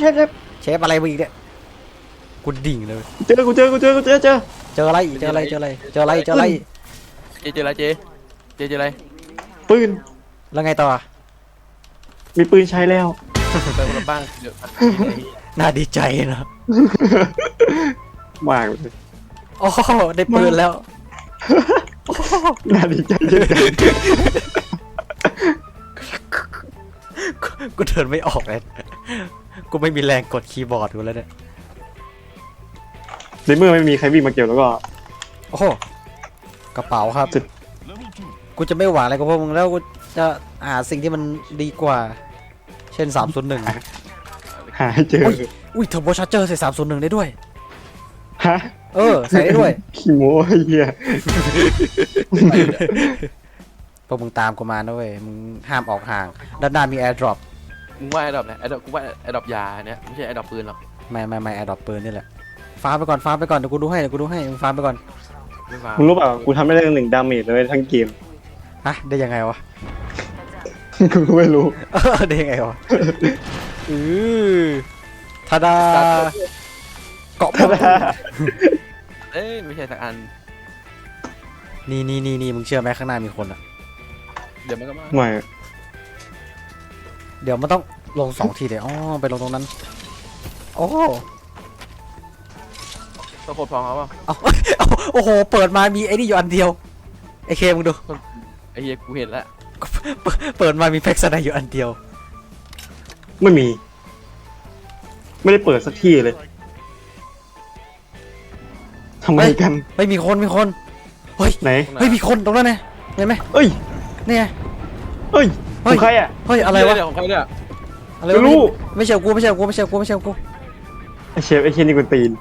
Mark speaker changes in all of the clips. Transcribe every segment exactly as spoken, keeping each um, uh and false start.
Speaker 1: เชฟเชฟ
Speaker 2: เชฟอะไรมึงอีกเนี่ยกูดิ่งเลย
Speaker 1: เจอกูเจอกูเจอกูเจอเจอ
Speaker 2: เจออะไรเจออะไรเจออะไรเจออะไรเจออะไร
Speaker 3: เจเจออะไรเจเจเจออะไร
Speaker 1: ปืน
Speaker 2: แล้วไงต่อ
Speaker 1: มีปืนใช้แล้ว
Speaker 3: ไปคนละบ้านเดี๋ยว
Speaker 2: น่าดีใจนะ
Speaker 1: มากเลย
Speaker 2: โอ้ได้ปืนแล้ว
Speaker 1: น่าดีใจเยอะ
Speaker 2: กูเดินไม่ออกเลยกูไม่มีแรงกดคีย์บอร์ดกูแล้วเนี่ย
Speaker 1: ในเมื่อไม่มีใครวิ่งมาเกี่ยวแล้วก็
Speaker 2: โอ้โหกระเป๋าครับกูจะไม่หวานอะไรกับพวกมึงแล้วกูจะหาสิ่งที่มันดีกว่าเช่นสามศูนย์หนึ่ง
Speaker 1: หาเจอ
Speaker 2: อุ้ยเทอร์โบชาร์เจอร์ใส่สามศูนย์หนึ่งได้ด้วย
Speaker 1: ฮะ
Speaker 2: เออใส่ได้ด้วย
Speaker 1: ขี้โม้เหี้ย
Speaker 2: พวกมึงตามกูมานะเว้ยมึงห้ามออกห่างด้านหน้ามีแอร์ดรอป
Speaker 3: มึงว่าแอร์ดรอปเนี่ยแอร์ดรอปกูว่าแอร์ดรอปยาเนี่ยไม่ใช่แอร์ดรอปปืนหรอก
Speaker 2: ไม่ไม่ไม่แอร์ดรอปปืนนี่แหละฟาร์มไปก่อนฟาร์มไปก่อนเดี๋ยวกูดูให้เดี๋ยวกูดูให้มึงฟาร์มไปก่อน
Speaker 1: มึงรู้เปล่ากูทำไม่ได้หนึ่งดาเมจเลยทั้งเกม
Speaker 2: ฮะได้ยังไงวะ
Speaker 1: กูก็ไม่รู้
Speaker 2: ได้ยังไงวะอือทาดาเกาะพอด
Speaker 3: เอ้ยไม่ใช่สักอัน
Speaker 2: นี่นี่นี่นี่มึงเชื่อไหมข้างหน้ามีคนอ่ะ
Speaker 3: เดี๋ยวมันก็มา
Speaker 1: ไม่
Speaker 2: เดี๋ยวมันต้องลงสองทีเดี๋ยวอ๋อไปลงตรงนั้นโอ้
Speaker 3: ต้องโคตรพร้อมเขาเปล่า
Speaker 2: โอ้โหเปิดมามีไอ้นี่อยู่อันเดียวไอ้เคมึงดู
Speaker 3: ไอ้เหี้ยกูเห็นแล้ว
Speaker 2: เปิดมามีแพ็กสไนอยู่อันเดียว
Speaker 1: ไม่มีไม่ได้เปิดสักที่เลยทำไมกัน
Speaker 2: ไม่มีคนมีคนเฮ้ย
Speaker 1: ไหน
Speaker 2: เฮ้ยมีคนตรงนั้นไงเห็นไหม
Speaker 1: เอ้ย
Speaker 2: นี่ไง
Speaker 1: เฮ้ยของใครอ่ะ
Speaker 2: เฮ้ยอะไรวะ
Speaker 3: ของใครเนี่ย
Speaker 2: อะไรวะรู้ไม่ใช่กูไม่ใช่กูไม่ใช่กูไม่ใช่กู
Speaker 1: ไอเชฟไอเชฟนี่กูตีน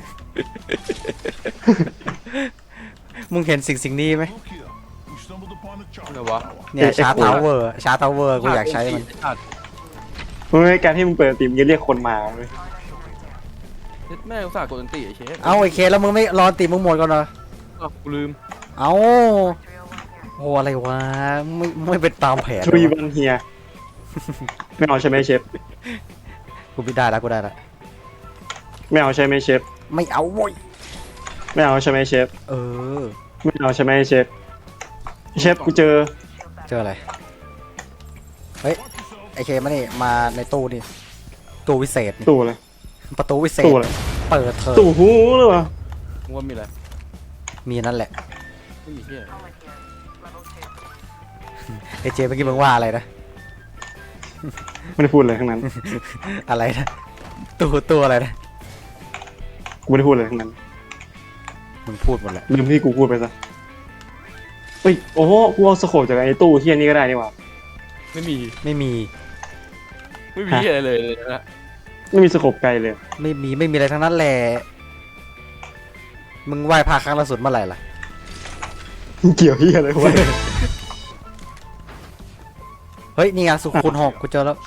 Speaker 2: มึงเห็นสิ่งสิ่งนี้ไหม
Speaker 3: อะไรวะ
Speaker 2: เนี่ยชาร์ทาวเวอร์ชาร์ทาวเวอร์กูอยากใช้มัน
Speaker 1: มึงในการที่มึงเปิดตีมจะเรียกคนมาเลย
Speaker 3: แม่อุตส่าห์กดอันตีไอเชฟ
Speaker 2: เอาไอเคแล้วมึงไม่รอตีมึงหมดก่อนเหรอ
Speaker 3: กูลืม
Speaker 2: เอาโอ้อะไรวะไม่ไม่เป็นตามแผน
Speaker 1: ทรีวันเฮียไม่เอาใช่ไหมเชฟ
Speaker 2: กูไม่ได้แล้วกูได้แล้ว
Speaker 1: ไม่เอาใช่ไหมเชฟ
Speaker 2: ไม่เอาโว้ย
Speaker 1: ไม่เอาใช่ไหมเชฟ
Speaker 2: เออ
Speaker 1: ไม่เอาใช่ไหมเชฟเชฟกูเจอ
Speaker 2: เจออะไรเฮ้ยไอเคมานี่มาในตู้นี่ตู้วิเศษ
Speaker 1: ตู้อะไร
Speaker 2: ประตูวิเศษ
Speaker 1: ตู้อะไร
Speaker 2: เปิดเถอะ
Speaker 1: ตู้หูหรือเปล่า
Speaker 3: มึงว่ามีอะไร
Speaker 2: มีนั่นแหละ
Speaker 3: ไม่มีเหี้ย
Speaker 2: ไอเจเมื่อกี้มึงว่าอะไรนะ
Speaker 1: ไม่ได้พูดเลยทั้งนั้น
Speaker 2: อะไรนะตู้ตู้อะไรนะ
Speaker 1: กูไม่ได้พูดเลยทั้งนั้น
Speaker 2: มึงพูดหมดแหละ
Speaker 1: ลืมที่กูพูดไปซะเฮ้ยโอ้โหกูเอาสโคปจากไอ้ตู้ที่อันนี้ก็ได้นี่หว่า
Speaker 3: ไม่มี
Speaker 2: ไม่มี
Speaker 3: ไม่มีอะไรเลยนะ
Speaker 1: ไม่มีสโคปไกลเลย
Speaker 2: ไม่มีไม่มีอะไรทั้งนั้นแหละมึงไหว้พระครั้งล่าสุดเมื่อไหร่ล่ะ
Speaker 1: เกี่ยวที่อะไรวะ
Speaker 2: เฮ้ยนี่ไงสุขุนหกกูเจอแล้ว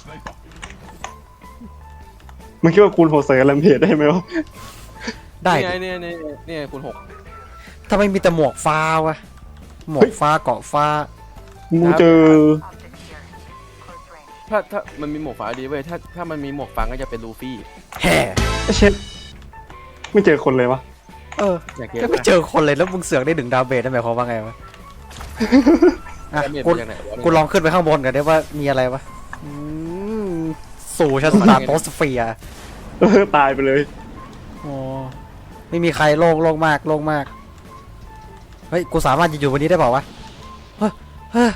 Speaker 1: มึงคิดว่าคูณหกใส่แรมเพจได้ไหมวะ
Speaker 2: ได้
Speaker 3: เนี่ยเนี่ยเนี่ยคูณหก
Speaker 2: ทำไมมีแต่หมวกฟ้าวะหมวกฟ้าเกาะฟ้า
Speaker 1: มึงเจอ
Speaker 3: ถ้าถ้ามันมีหมวกฟ้าดีเว้ยถ้าถ้ามันมีหมวกฟ้าก็จะเป็นลูฟี่
Speaker 2: แฮ่
Speaker 1: เชฟไม่เจอคนเลยวะ
Speaker 2: เออไม่เจอคนเลยแล้วมึงเสือกได้ดึงดาวเบสได้ไหมเขาว่าไงวะกูกูลองขึ้นไปข้างบนกันได้ว่ามีอะไรวะสู่ชั้นสามโตสเฟียร์
Speaker 1: ตายไปเลย
Speaker 2: โอ้ไม่มีใครโล่งโล่งมากโล่งมากเฮ้ยกูสามารถจะอยู่วันนี้ได้เปล่าวะเฮ้ยเฮ้ย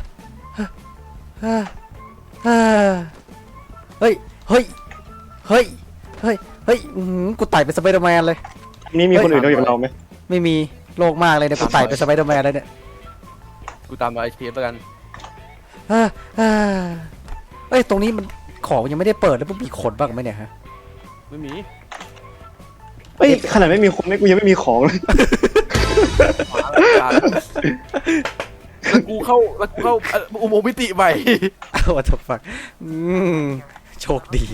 Speaker 2: เฮ้ยเฮ้ยเฮ้ยเฮ้ยเฮ้ยกูไต่เป็นสไปเดอร์แมนเลย
Speaker 1: นี่มีคนอื่นนอกจากเราไหม
Speaker 2: ไม่มีโล่งมากเลยเนี่ยกูไต่เป็นสไปเดอร์แมนเลยเนี่ย
Speaker 3: กูตามมาไอพีแล้วกัน
Speaker 2: เฮ้ยตรงนี้มันของยังไม่ได้เปิดแล้วพวกมีขนบ้างไหมเนี่ยฮะ
Speaker 3: ไม่มี
Speaker 1: เฮ้ยขนาดไม่มีคนนี่กูยังไม่มีของเลย
Speaker 3: แล้วกูเข้าแล้วกูเข้าอุโมงค์มิติใหม่
Speaker 2: ว่าจะฟังโชคดี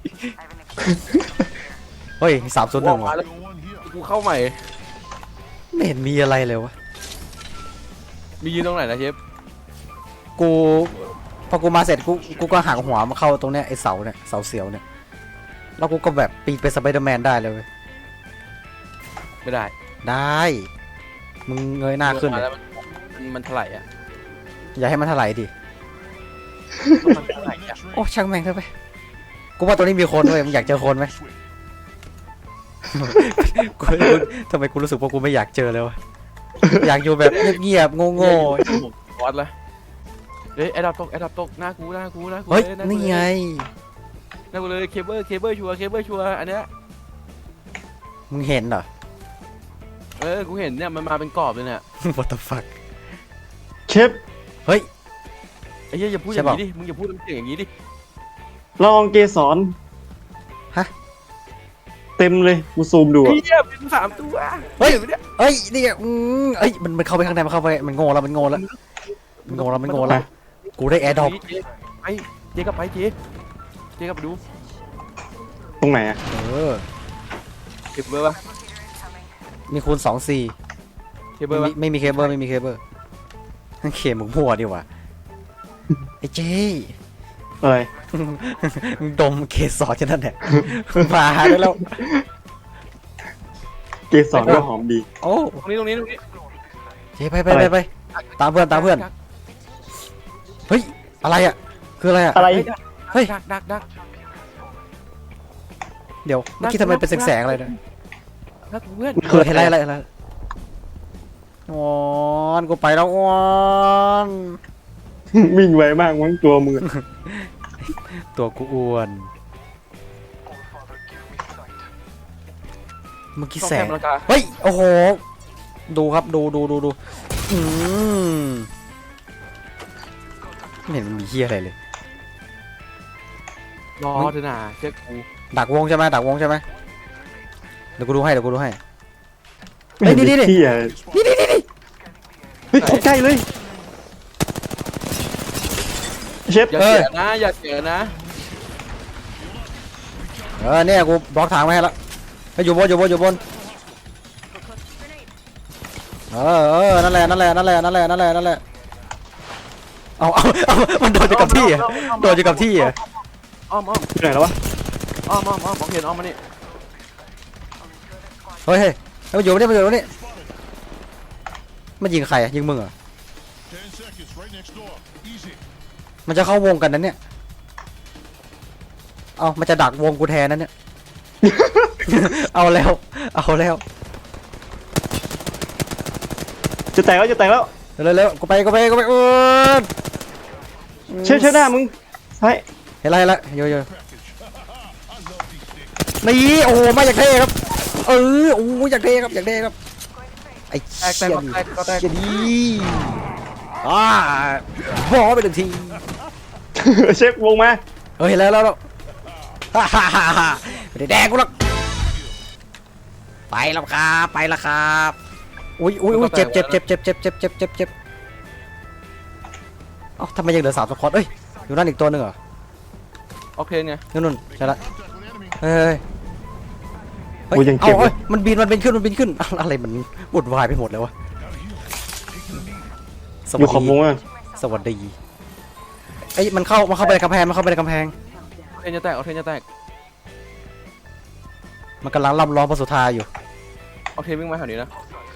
Speaker 2: เฮ้ยสามศูนย์หนึ่งว่ะ
Speaker 3: กูเข้าใหม่
Speaker 2: ไม่เห็นมีอะไรเลยวะ
Speaker 3: มียืนตรงไหนนะเชฟ
Speaker 2: กูพอกูมาเสร็จกูกูก็หักหัวมาเข้าตรงเนี้ยไอเสาเนี่ยเสาเสียวเนี่ยแล้วกูก็แบบปีนเป็นสไปเดอร์แมนได้เลยเว้ย
Speaker 3: ไม่ได้
Speaker 2: ได้มึงเงยหน้าขึ้น
Speaker 3: มา
Speaker 2: เลย
Speaker 3: แล้วมันมันเท่าไหร่อ่ะ
Speaker 2: อย่าให้มันถลายดิ
Speaker 3: มันเท่าไหร่อ่ะ
Speaker 2: โอ้ช่างแม่งเถอะไปกูว่าตัวนี้มีคนเว้ยมึงอยากเจอคนไหม กูกูทำไมกูรู้สึกว่ากูไม่อยากเจอเลยวะอยากอยู่แบบเงียบๆโง่
Speaker 3: วอดละเฮ้ยแอดดับตกแอดดับตกหน้ากูหน้ากูหน้า
Speaker 2: ๆ
Speaker 3: กู
Speaker 2: เฮ้ย
Speaker 3: ลหากู
Speaker 2: นี่ไง
Speaker 3: หน้ากูเลยเคเบิลเคเบิลชัวร์เคเบิลชัวร์อันเนี้ย
Speaker 2: มึงเห็นเหรอ
Speaker 3: เออกูเห็นเนี่ยมันมาเป็นกรอบเลยเนี่ย
Speaker 2: what the fuck
Speaker 1: เชฟ
Speaker 2: เฮ้ย
Speaker 3: ไอ้เหี้ยอย่าพูดอย่างนี้ดิมึงอย่าพูดน้ำเสียงอย่างนี้ดิ
Speaker 1: ลองเกสร
Speaker 2: ฮะ
Speaker 1: เต็มเลยกูซูมดู
Speaker 3: ไอ้
Speaker 1: อะ
Speaker 3: เหี้ยเป็นสามตัว
Speaker 2: เฮ้ย
Speaker 3: ห็นไหมเนี่ย
Speaker 2: เฮ้ยนี่ไงอืมเอ้ยมันมันเข้าไปข้างในมันเข้าไปมันโง่แล้วมันโง่แล้วมันโง่แล้วมันโง่แล้วกูได้แอร์ดรอป
Speaker 3: เจ๊ไปเจ๊กลับไปเจ๊เจ๊กลับไปดู
Speaker 1: ตรงไหนอะ
Speaker 2: เออ
Speaker 3: เคเบิลปะ
Speaker 2: มีคูณสองสี่
Speaker 3: เคเบิ
Speaker 2: ไม่
Speaker 3: ล
Speaker 2: มี
Speaker 3: ปะ
Speaker 2: ไม่มีเคเบิลไม่มีเคเบิลเคมึงมั่วดีว่ะไอ้เจ๊
Speaker 1: อะไร
Speaker 2: มึงดมเคสอดแค่นั้นแหละมาได้แล้ว
Speaker 1: เกสรก็หอมดี
Speaker 2: โอ้
Speaker 3: ตรงนี้ตรงนี้ตรงนี้
Speaker 2: เจ๊ไปไปไปไปตามเพื่อนตามเพื่อนเฮ้ยอะไรอ่ะคืออะไรอ่ะ
Speaker 1: อะไร
Speaker 2: เฮ้ย
Speaker 3: ดักดักดัก
Speaker 2: เดี๋ยวเมื่อกี้ทำไมเป็นแสงๆอะไรนะ
Speaker 3: ดักเพื่อน
Speaker 2: เกิดอะไรอะไรอะไรวอนกูไปแล้ววอน
Speaker 1: วิ่งไวมากมั้งตัวมือ
Speaker 2: ตัวกูอ้วนเมื่อกี้
Speaker 3: ต้อง
Speaker 2: แส
Speaker 3: แค
Speaker 2: ง
Speaker 3: มราคา
Speaker 2: เฮ้ยโอ้โหดูครับดูดูดูดูอืมไม่เห็นมันมีเฮียอะไรเลย
Speaker 3: รอเถอะนะเชื่อกู
Speaker 2: ดักวงใช่ไหมดักวงใช่ไหมเดี๋ยวกูดูให้เดี๋ยวกูดูให้
Speaker 1: ไม่เห็น
Speaker 2: เฮ้ยนี่
Speaker 1: มี
Speaker 2: นี่
Speaker 1: ที่อะ
Speaker 2: นี่นี่นี่นี่
Speaker 1: เฮ้ยเข้าใกล้เลยเชฟ
Speaker 3: อย่าเสียนะอย่าเสียนะ
Speaker 2: เออเนี่ยกูบล็อกทางไว้ให้แล้วไปอยู่บนอยู่บนอยู่บนเออเออนั่นแหละนั่นแหละนั่นแหละนั่นแหละนั่นแหละนั่นแหละเอาเอาเอามันโดนอยู่กับที่อ่ะโดนอยู่กับที่อ่ะ
Speaker 3: อ้อมอ้อม
Speaker 1: อยู่ไหนแล้ววะ
Speaker 3: อ้อมอ้อมอ้อมบอกเห็นอ้อมมานี่
Speaker 2: เฮ้ยเฮ้ยมันอยู่นี่มันอยู่นี่มันยิงใครอ่ะยิงมึงเหรอ
Speaker 4: Ten seconds, right next door. Easy.
Speaker 2: มันจะเข้าวงกันนั้นเนี่ยเอามันจะดักวงกูแทนนั้นเนี่ย เอาแล้ว เอาแล้ว
Speaker 1: จะแตกแล้วจะแตกแล้ว
Speaker 2: เร็วเร็วกูไปกูไปกูไปเออ
Speaker 1: เชฟเชฟหน้ามึงใช่
Speaker 2: เห็นไรละโยโย่
Speaker 4: I love these things.
Speaker 2: นี่โอ้โหมาอยากเท่ครับ เออโอ้ยอยากเท่ครับอยากเท่ครับไอ้
Speaker 3: แตกแต
Speaker 2: เชี่
Speaker 3: ก
Speaker 2: ย
Speaker 3: แตกก็แตก
Speaker 2: เชี่ยดีอ่าพอไปหนึ่งที
Speaker 1: เชฟวงมา
Speaker 2: เฮ้ยแล้วแล้วแล้วฮ่าฮ่าฮ่าฮ่าไม่ได้แดงกูหรอกไปแล้วครับไปแล้วครับอุ้ยอุ้ยอุ้ยเจ็บเจ็บเจ็บเจ็บเจ็บเจ็บเจ็บเจ็บเจ็บเอ้าทำไมยังเหลือสามสควอตเอ้ยอยู่นั่นอีกตัวหนึ่งเหรอ
Speaker 3: โอเคไง
Speaker 2: นู่นนู่นใช่ละ
Speaker 4: Contact with enemy.
Speaker 2: เฮ้ยเฮ้ย
Speaker 1: กูยัง
Speaker 2: เอา
Speaker 1: เก็บเล
Speaker 2: เอ้
Speaker 1: ย
Speaker 2: ยมันบินมันบินขึ้นมันบินขึ้นอะไรมันวุ่นวายไปหมดเลยวะส
Speaker 1: อ
Speaker 2: วั
Speaker 1: ยู่
Speaker 2: ส
Speaker 1: ขอบว
Speaker 2: ดี
Speaker 1: งอ่ะ
Speaker 2: สวัสดีไอ้ยมันเข้ามันเข้าไปในกำแพงมันเข้าไปในกำแพง
Speaker 3: โอเคจะแตกโอเคจะแตก
Speaker 2: มันกำลังล่ำร้องพระสุธาอยู่
Speaker 3: โอเควิ่งมาแถวนี้นะ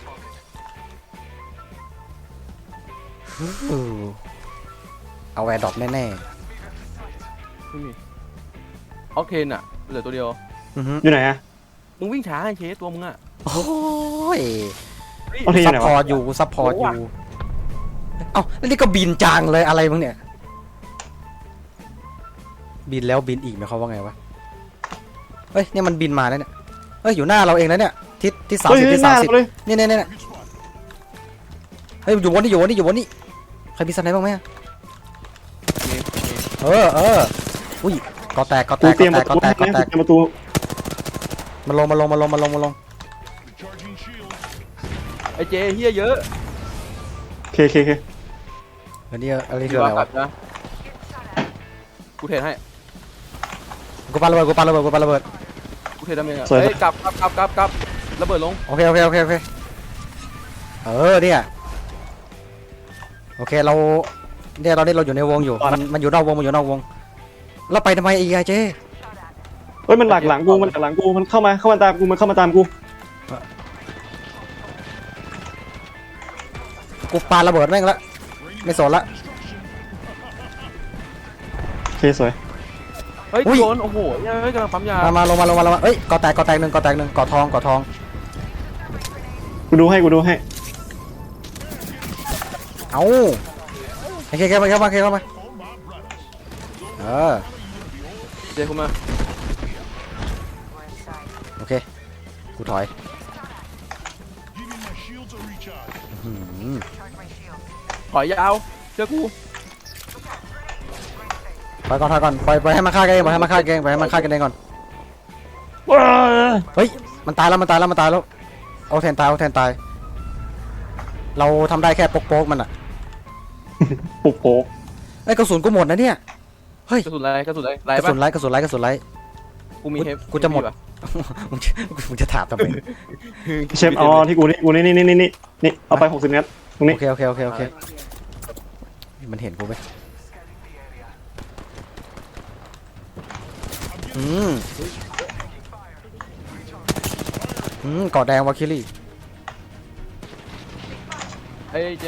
Speaker 2: เออเอาแอร์ดรอปแน่
Speaker 3: ไม่มีโอเคน่ะเหลือตัวเดียว
Speaker 2: ๆอือฮึ
Speaker 1: อยู่ไหนอะ
Speaker 3: มึงวิ่งช้าไอ้เคสตัวมึงอ่ะ
Speaker 2: โอ้ย
Speaker 1: เอาที
Speaker 2: ซั
Speaker 1: ไห
Speaker 2: พ
Speaker 1: น
Speaker 2: พอ
Speaker 1: วะ
Speaker 2: ร์ตอยู่ซัพพอร์ตอยู่เอ้าแล้วนี่ก็บินจางเลยอะไรมึงเนี่ย บินแล้วบินอีกหมายความว่าไงวะเฮ้ยเนี่ยมันบินมาแล้วเนี่ยเฮ้ยอยู่หน้าเราเองแล้วเนี่ยทิศที่สาม
Speaker 1: เฮ้ย
Speaker 2: สิบ
Speaker 1: เฮ้ย
Speaker 2: ที่
Speaker 1: ห
Speaker 2: สา
Speaker 1: น้าม
Speaker 2: สิบ
Speaker 1: เราเลย
Speaker 2: เนี่ยเนี่ยเนี่ยเฮ้ยอยู่บนนี่อยู่บนนี่อยู่บนนี่ใครมีสไนป์บ้างไหมอะ
Speaker 3: นี่นี่
Speaker 2: เออเอออุ้ยกอแตกกอแต
Speaker 1: กู
Speaker 2: ก
Speaker 1: เตรียม
Speaker 2: ก
Speaker 1: ป
Speaker 2: อ
Speaker 1: ระ
Speaker 2: แตก
Speaker 1: ตู
Speaker 2: กอแตกกอ
Speaker 1: ให้
Speaker 2: แต
Speaker 1: นะ
Speaker 2: ก
Speaker 1: เตรียมประตู
Speaker 2: มันลงมาลงมาลงมาลงมาลง
Speaker 4: Recharging shield.
Speaker 3: ไอ้เจเฮียเยอะ
Speaker 1: โอเคโอเคโอเค
Speaker 2: อันนี้อะไร
Speaker 3: ดี
Speaker 2: คืออะไร
Speaker 3: กลั
Speaker 2: วะ
Speaker 3: บนะกูเทรดให้
Speaker 2: กูปาระเบิดกูปาระเบิดกูปาระเบิด
Speaker 3: กูเทรดทำยังไงเฮ้ยกลับกลับกลับกลับกลับระเบิดลง
Speaker 2: โอเคโอเคโอเคโอเคเออเนี่ยโอเคเราเนี่ยเราเนี่ยเราอยู่ในวงอยู่มันมันอยู่นอกวงมันอยู่นอกวงเราไปทำไมอีกไอเจ
Speaker 1: เฮ้ยมันหลักหลังกูมันหลักหลังกูมันเข้ามาเข้ามาตามกูมันเข้ามาตามกู
Speaker 2: กูปาระเบิดแม่งละไม่สนละ
Speaker 1: โอเคสวย
Speaker 3: เฮ้ย
Speaker 2: อุ้ย
Speaker 3: โดนโอ้โหเฮ้ยกำลังปั๊มยา
Speaker 2: มามาลงมาลงมาลงมาเอ้ยกอแตกกอแตกหนึ่งกอแตกหนึ่งกอทองกอทอง
Speaker 1: กูดูให้กูดูให้
Speaker 2: เอาโอเคเข้ามาเข้ามาเข้ามาเออ
Speaker 3: เจคุณมา
Speaker 2: โอเคกูถอย
Speaker 4: Giving my shields a recharge.
Speaker 2: อืม
Speaker 3: ถอยยาวเชื่อกู
Speaker 2: ถอยก่อนถอยก่อนปล่อยปล่อยให้มันฆ่ากันเองปล่อยให้มันฆ่ากันเองปล่อยให้มันฆ่ากันเองก่อน
Speaker 1: ว้า
Speaker 2: เฮ้ยมันตายแล้วมันตายแล้วมันตายแล้วเอาแทนตายเอาแทนตายเราทำได้แค่โป๊กๆมันอะ
Speaker 1: ปุกโป๊ก
Speaker 2: ไอ้ยกระสุนกูหมดนะเนี่ยเฮ้ย
Speaker 3: กระสุนอะไรกระสุนอะไรไร
Speaker 2: กระ
Speaker 3: ปะ
Speaker 2: สุนไร้กระสุนไร้กระสุนไร้
Speaker 3: กูมีเฮฟ
Speaker 2: กูจะหมด
Speaker 3: ปะ
Speaker 2: มึงจะมึงจะถามทำไม
Speaker 1: เชฟเอาที่กูนี่กูนี่นี่นี่นี่นี่เอาไปหกสิบนัดตรงนี้
Speaker 2: โอเคโอเคโอเคโอเคมันเห็นกูไหมอืมอืมกอดแดงวาคิลี่
Speaker 3: เฮ้ยเจ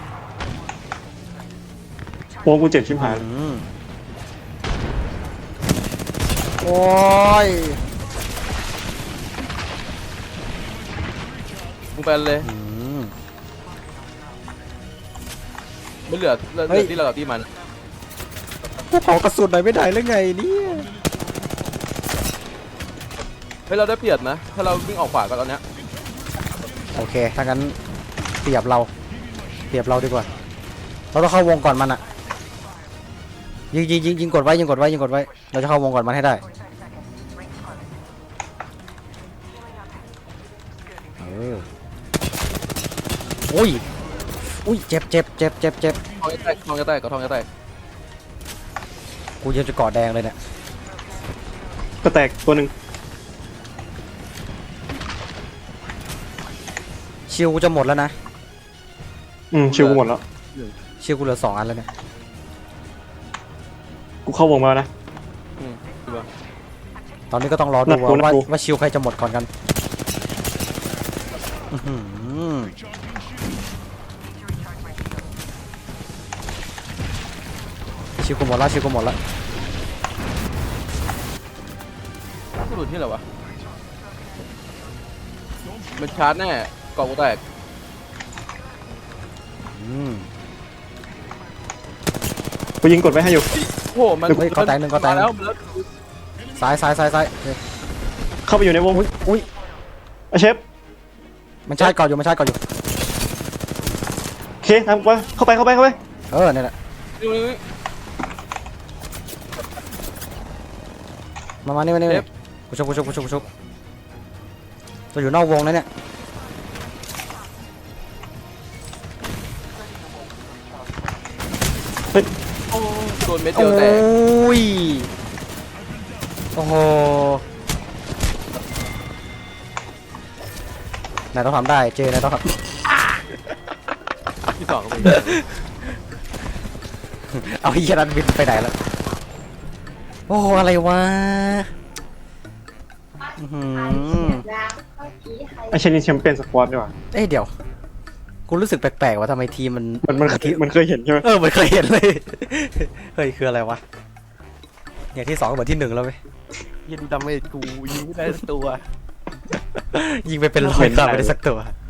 Speaker 1: โอ้กูเจ็บชิบหาย
Speaker 2: อืมโอ้ย
Speaker 3: มึงไปเลย
Speaker 2: อืม
Speaker 3: ไม่เหลือเหลือ
Speaker 2: เฮ้ย
Speaker 3: ที่เรากับที่มัน
Speaker 2: พวกเขากระสุนหน่อยไม่ได้หรือไงเนี่ย
Speaker 3: เฮ้ยเราได้เปรียบนะถ้าเราวิ่งออกขวากันตอนเนี้ย
Speaker 2: โอเคถ้างั้นเปรียบเราเปรียบเราดีกว่าเราต้องเข้าวงก่อนมันอะยิงยิงยิงยิงกดไว้ยิงกดไว้ยิงกดไว้เราจะเข้าวงก่อนมันให้ได้เอออุ้ยอุ้ยเจ็บเจ็บเจ็บเจ็บเจ็บ
Speaker 3: ทองจะแตกทองจะแตกกับทองจะแตก
Speaker 2: กูยังจะเกาะแดงเลยเนี่ย
Speaker 1: ก็แตกตัวหนึ่ง
Speaker 2: ชิวกูจะหมดแล้วนะ
Speaker 1: อืมชิวกูหมดแล้ว
Speaker 2: ชิวกูเหลือสองอันแล้วเนี่ย
Speaker 1: กูเข้าวงมาแล้วนะ
Speaker 3: อืมดูป่ะ
Speaker 2: ตอนนี้ก็ต้องรอดู
Speaker 1: นัดกู
Speaker 2: ว่า
Speaker 1: นัด
Speaker 2: ว่า
Speaker 1: กู
Speaker 2: ว่าชิวใครจะหมดก่อนกันอื้อหือชิวกูหมดแล้วชิวกูหมดแล้ว
Speaker 3: กระสุนที่ไหนวะมันชาร์จแน่กล่องกูแตก
Speaker 2: อืม
Speaker 1: กูยิงกดไว้ให้อยู่
Speaker 3: โอ้โหมัน
Speaker 2: เฮ้ยก็แตกหนึ่งก็แตกหนึ่ง
Speaker 3: มาแล้วมาแล้ว
Speaker 2: ซ้ายซ้ายซ้ายซ้ายเฮ้ย
Speaker 1: เข้าไปอยู่ในวง
Speaker 2: อุ้ยอุ้ย
Speaker 1: อ่ะเชฟ
Speaker 2: มันชาร์จก่อนอยู่มันชาร์จก่อนอยู่
Speaker 1: โอเคทำไปเข้าไปเข้าไปเข้าไป
Speaker 2: เออเนี่ยแหละ
Speaker 3: นี่นี่นี่
Speaker 2: มามานี่มานี่มา
Speaker 3: เท
Speaker 2: นี่
Speaker 3: ป
Speaker 2: กูชกกูชกกูชกกูชกตัวอยู่นอกวงนะเนี่ย
Speaker 3: โอ้โดนเม็ด
Speaker 2: โอ
Speaker 3: เดียวแตก้
Speaker 2: ยโอ้โหนายต้องทำได้เจนายต้องทำ
Speaker 3: ที่สองก็เป็น
Speaker 2: เอาไอ้เหี้ยนันบินไปไหนแล้ว โอ้โหอะไรวะอื้อหือ
Speaker 1: ไอเชนินแชมเปี้ยนสควอตดีกว่า
Speaker 2: เอ้ยเดี๋ยว กูรู้สึกแปลกๆว่าทำไมทีมมัน
Speaker 1: มันมันเคยมันเคยเห็นใช่ไหม
Speaker 2: เออมันเคยเห็นเลย เฮ้ยคืออะไรวะ อย่างที่สองเหมือนที่หนึ่งแล้วไหม
Speaker 3: ยิงดาเมจกูยิงไม่ได้สักตัว
Speaker 2: ยิงไปเป็นร้อยครั้งไม่ได้สักตัว
Speaker 3: เ